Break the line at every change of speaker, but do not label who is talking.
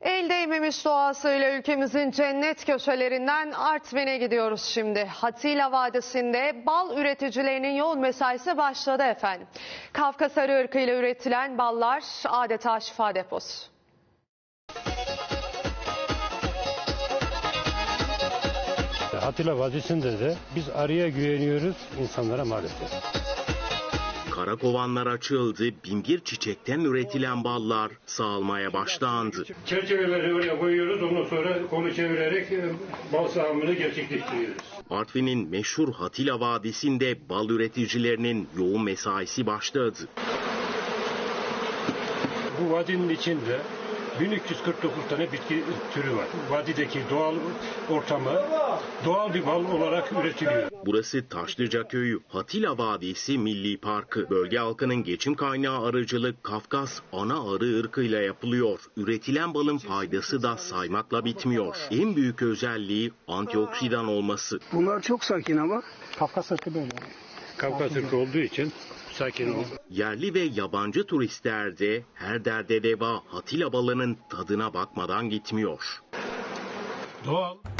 El değmemiş doğasıyla ülkemizin cennet köşelerinden Artvin'e gidiyoruz şimdi. Hatila Vadisi'nde bal üreticilerinin yoğun mesaisi başladı efendim. Kafkas arı ırkıyla üretilen ballar adeta şifa deposu.
Hatila Vadisi'nde de biz arıya güveniyoruz, insanlara maalesef.
Karakovanlar açıldı, binbir çiçekten üretilen ballar sağılmaya başlandı.
Çerçeveleri oraya koyuyoruz, ondan sonra kolu çevirerek bal sağımını gerçekleştiriyoruz.
Artvin'in meşhur Hatila Vadisi'nde bal üreticilerinin yoğun mesaisi başladı.
Bu vadinin içinde 1349 tane bitki türü var. Vadideki doğal ortamı doğal bir bal olarak üretiliyor.
Burası Taşlıca Köyü Hatila Vadisi Milli Parkı. Bölge halkının geçim kaynağı arıcılık Kafkas ana arı ırkıyla yapılıyor. Üretilen balın faydası da saymakla bitmiyor. En büyük özelliği antioksidan olması.
Bunlar çok sakin ama.
Kafkas ırkı böyle. Kafkas ırkı olduğu için sakin ol.
Yerli ve yabancı turistler de her derde deva Hatila balının tadına bakmadan gitmiyor.
Doğal.